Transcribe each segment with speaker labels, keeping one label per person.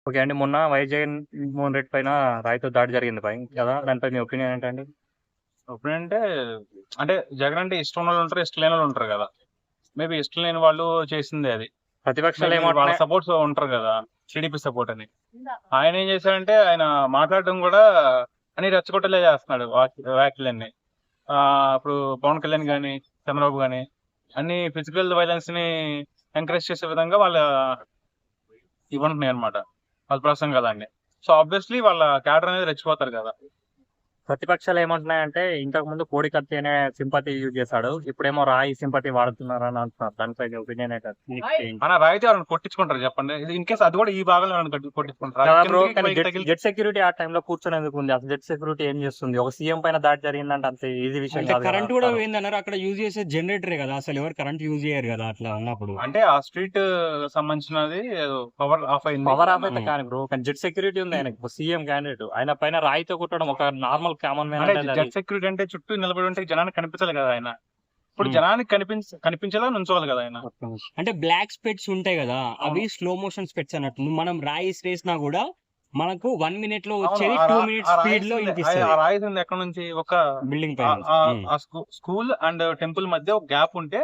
Speaker 1: Okay అండి. మొన్న జగన్‌మోహన్ రెడ్డి పైన రాయితో దాడి జరిగింది కదా! దానిపై మీ ఒపీనియన్ ఏంటండి?
Speaker 2: ఇప్పుడంటే అంటే జగన్ అంటే ఇష్టం ఉన్నోళ్ళు ఉంటారు, ఇష్టం లేని వాళ్ళు ఉంటారు కదా. మేబీ ఇష్టం లేని వాళ్ళు చేసిందే అది.
Speaker 1: ప్రతిపక్షాలు
Speaker 2: మేబీ వాళ్ళ
Speaker 1: ఏమంటున్నాయి?
Speaker 2: సపోర్ట్స్ ఉంటారు కదా, టీడీపీ సపోర్ట్ అని. ఆయన ఏం చేశాడంటే ఆయన మాట్లాడడం కూడా అన్ని రెచ్చగొట్టలే చేస్తున్నాడు వ్యాఖ్యలన్నీ. ఇప్పుడు పవన్ కళ్యాణ్ గాని, చంద్రబాబు గాని అన్ని ఫిజికల్ వైలెన్స్ ని ఎంకరేజ్ చేసే విధంగా వాళ్ళ ఇవ్వంటున్నాయి అనమాట, వాళ్ళ ప్రసంగాలన్నీ. సో ఆబ్వియస్లీ వాళ్ళ క్యాడర్ అనేది రెచ్చిపోతారు కదా.
Speaker 1: ప్రతిపక్షాలు ఏమంటున్నాయంటే ఇంతకుముందు కోడికత్తి అనే సింపతి యూజ్ చేశాడు. ఇప్పుడేమో రాయి సింపతి వాడుతున్నారని అంటున్నారు. దానిపై మీ ఒపీనియన్ ఏంటండి?
Speaker 2: మన రాయితీ ఎవరైనా కొట్టించుకుంటారు చెప్పండి, ఇన్ కేసు అది కూడా ఈ భాగంలో ఎవరైనా కొట్టించుకుంటారు.
Speaker 1: కదా బ్రో, కానీ జెట్ సెక్యూరిటీ ఆ టైంలో కూర్చొని ఎందుకు ఉంది? అసలు జెట్ సెక్యూరిటీ ఏం చేస్తుంది? ఒక సీఎం పైన దాడి జరిగిందంటే అంత ఈజీ విషయం
Speaker 3: అంటే
Speaker 1: కాదు కదా.
Speaker 3: కరెంట్ కూడా పోయిందన్నారు. అక్కడ యూజ్ చేసే జనరేటరే కదా, అసలు ఎవరు కరెంట్ యూజ్ చేయరు కదా అట్లా ఉన్నప్పుడు.
Speaker 2: అంటే ఆ స్ట్రీట్ సంబంధించినది పవర్ ఆఫ్ అయింది.
Speaker 1: పవర్ ఆఫ్ అయితే కానీ బ్రో, కానీ జెట్ సెక్యూరిటీ ఉంది ఆయనకు, సీఎం క్యాండిడేట్. ఆయన పైన రాయితో కొట్టడం ఒక నార్మల్ కామన్ మ్యాన్
Speaker 2: అంటే
Speaker 1: అంటే
Speaker 2: జెట్ సెక్యూరిటీ అంటే చుట్టూ నిలబడి ఉంటే జనానికి కనిపించాలి కదా ఆయన. ఇప్పుడు
Speaker 3: Hmm.
Speaker 2: జనానికి కనిపించేలా నుంచోవాలి కదా ఆయన.
Speaker 3: అంటే బ్లాక్ స్పెట్స్ ఉంటాయి కదా, అవి స్లో మోషన్ స్పెట్స్ అన్నట్టు. మనం రాయి వేసినా కూడా మనకు 1 minute లో వచ్చేది 2 minutes స్పీడ్ లో
Speaker 2: ఆ
Speaker 3: వినిపిస్తుంది
Speaker 2: రాయి ఉంది ఎక్కడ నుంచి, ఒక
Speaker 3: బిల్డింగ్ పైన.
Speaker 2: స్కూల్ అండ్ టెంపుల్ మధ్య ఒక గ్యాప్ ఉంటే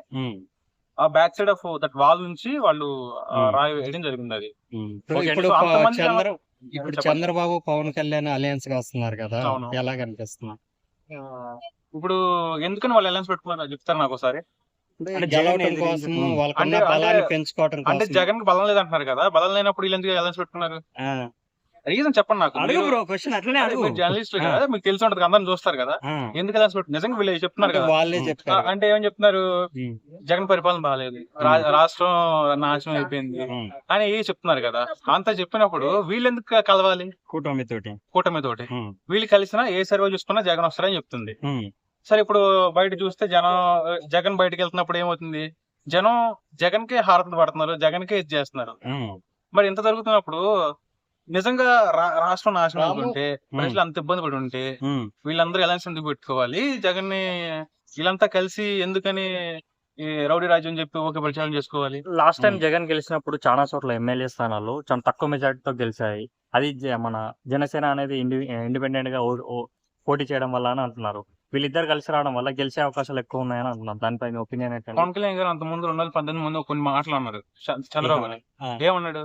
Speaker 2: ఆ back side of that wall నుంచి వాళ్ళు రాయి వేయడం జరిగింది అది.
Speaker 3: ఇప్పుడు
Speaker 2: So, అంతమంది
Speaker 3: ఇప్పుడు
Speaker 2: చెప్పండి.
Speaker 3: చంద్రబాబు పవన్ కళ్యాణ్ అలయన్స్ గా వస్తున్నారు కదా,
Speaker 2: అవును.
Speaker 3: ఎలా కనిపిస్తున్నారు?
Speaker 2: ఇప్పుడు ఎందుకని వాళ్ళు అలయన్స్ పెట్టుకున్నారు చెప్తారు నాకు ఒకసారి.
Speaker 3: అంటే గెలవడం కోసం, వాళ్ళకున్న
Speaker 2: అంటే-
Speaker 3: బలాన్ని పెంచుకోవడం
Speaker 2: అంటే
Speaker 3: కోసం.
Speaker 2: జగన్ కి బలం లేదంటున్నారు కదా, బలం లేనప్పుడు వీళ్ళు ఎందుకు అలయన్స్ పెట్టుకున్నారు?
Speaker 3: ఆ,
Speaker 2: రీజన్ చెప్పండి నాకు.
Speaker 3: అడుగు బ్రో, క్వశ్చన్ అట్లనే అడుగు.
Speaker 2: జర్నలిస్ట్ కదా, మీకు తెలిసి ఉంటది, అందరిని చూస్తారు కదా.
Speaker 3: ఆ,
Speaker 2: ఎందుకు అలయన్స్ పెట్టు, నిజంగా వీళ్ళు చెప్తున్నారు
Speaker 3: అంటే
Speaker 2: కదా.
Speaker 3: వాళ్ళే చెప్తారు.
Speaker 2: అంటే ఏమని చెప్తున్నారు,
Speaker 3: ఉమ్,
Speaker 2: జగన్ పరిపాలన బాగాలేదు, రాష్ట్రం నాశనం అయిపోయింది
Speaker 3: ఉమ్,
Speaker 2: అని చెప్తున్నారు కదా. అంతా చెప్పినప్పుడు వీళ్ళు ఎందుకు కలవాలి
Speaker 3: కూటమి తోటి.
Speaker 2: కూటమి తోటి?
Speaker 3: ఉమ్,
Speaker 2: వీళ్ళు కలిసినా ఏ సర్వే చూసుకున్నా జగన్ వస్తారని చెప్తుంది.
Speaker 3: ఉమ్,
Speaker 2: సరే, ఇప్పుడు బయట చూస్తే జగన్ బయటకు వెళ్తున్నప్పుడు ఏమవుతుంది, జగన్ కి హారతి పడుతున్నారు, జగన్ కే ఇది చేస్తున్నారు.
Speaker 3: ఉమ్,
Speaker 2: మరి ఇంత జరుగుతున్నప్పుడు నిజంగా రాష్ట్రం నాశనం అవుతుంటే, ప్రజలు అంత ఇబ్బంది పడి ఉంటే
Speaker 3: ఉమ్,
Speaker 2: వీళ్ళందరూ ఎలయన్స్ ఎందుకు పెట్టుకోవాలి? జగన్ ని వీళ్ళంతా కలిసి ఎందుకని ఈ రౌడీ రాజ్యం చెప్పి ఓకే ప్రచారం చేసుకోవాలి?
Speaker 1: లాస్ట్ టైం జగన్ గెలిచినప్పుడు చాలా చోట్ల ఎమ్మెల్యే స్థానాలు చాలా తక్కువ మెజార్టీతో గెలిచాయి. అది మన జనసేన అనేది ఇండిపెండెంట్ గా పోటీ చేయడం వల్ల అని అంటున్నారు. వీళ్ళిద్దరు కలిసి రావడం వల్ల గెలిచే అవకాశాలు ఎక్కువ ఉన్నాయని అంటున్నారు. దానిపై మీ ఒపీనియన్ ఏంటంటే?
Speaker 2: పవన్ కళ్యాణ్ గారు అంత ముందు 2018 ముందు కొన్ని మాటలు అన్నారు చంద్రబాబు అని.
Speaker 3: ఆ.
Speaker 2: ఏమన్నాడు?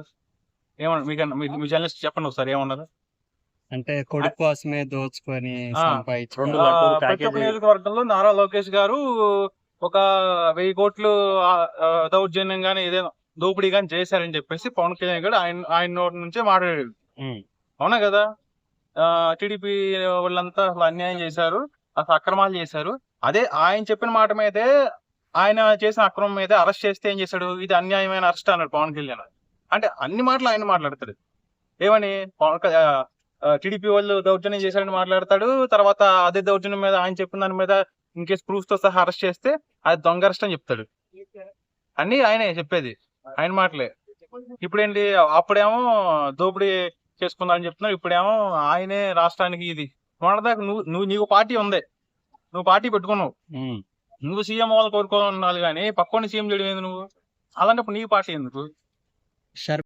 Speaker 2: మీ జర్నలిస్ట్ చెప్పండి ఒకసారి ఏమన్నారు.
Speaker 3: అంటే కొడుకు కోసమే దోచుకొని
Speaker 2: ఆ,
Speaker 3: సంపాదించుకోవడం.
Speaker 1: రెండు లడ్డూలు
Speaker 2: ప్రతి ఒక్క
Speaker 1: ప్యాకేజీ.
Speaker 2: నియోజకవర్గంలో నారా లోకేష్ గారు ఒక 1000 కోట్లు దౌర్జన్యం గానీ ఏదైనా దోపిడీ గానీ చేశారని చెప్పేసి పవన్ కళ్యాణ్ గారు ఆయన నోటి నుంచే మాట్లాడాడు.
Speaker 3: ఉమ్,
Speaker 2: అవునా కదా? టీడీపీ వాళ్ళంతా అసలు అన్యాయం చేశారు, అసలు అక్రమాలు చేశారు. అదే ఆయన చెప్పిన మాట మీదే, ఆయన చేసిన అక్రమం మీద అరెస్ట్ చేస్తే ఏం చేశాడు, ఇది అన్యాయమైన అరెస్ట్ అన్నాడు పవన్ కళ్యాణ్. అంటే అన్ని మాటలు ఆయన మాట్లాడతాడు. ఏమని, టీడీపీ వాళ్ళు దౌర్జన్యం చేశారని మాట్లాడతాడు. తర్వాత అదే దౌర్జన్యం మీద ఆయన చెప్పిన దాని మీద ఇన్ కేసు ప్రూఫ్ తో సహా అరెస్ట్ చేస్తే అది దొంగ అరెస్ట్ అని చెప్తాడు. అన్ని ఆయనే చెప్పేది, ఆయన మాటలే. ఇప్పుడేంటి, అప్పుడేమో దోపిడీ చేసుకున్నారని చెప్తున్నాడు, ఇప్పుడేమో ఆయనే రాష్ట్రానికి ఇది. మొన్నదాకా నీకు పార్టీ ఉంది, నువ్వు పార్టీ పెట్టుకున్నావు,
Speaker 3: ఉమ్.
Speaker 2: నువ్వు సీఎం అవ్వాలి కోరుకోవాలి కానీ పక్కన సీఎం చేయడం ఏంది నువ్వు? అలాంటప్పుడు నీ పార్టీ ఎందుకు?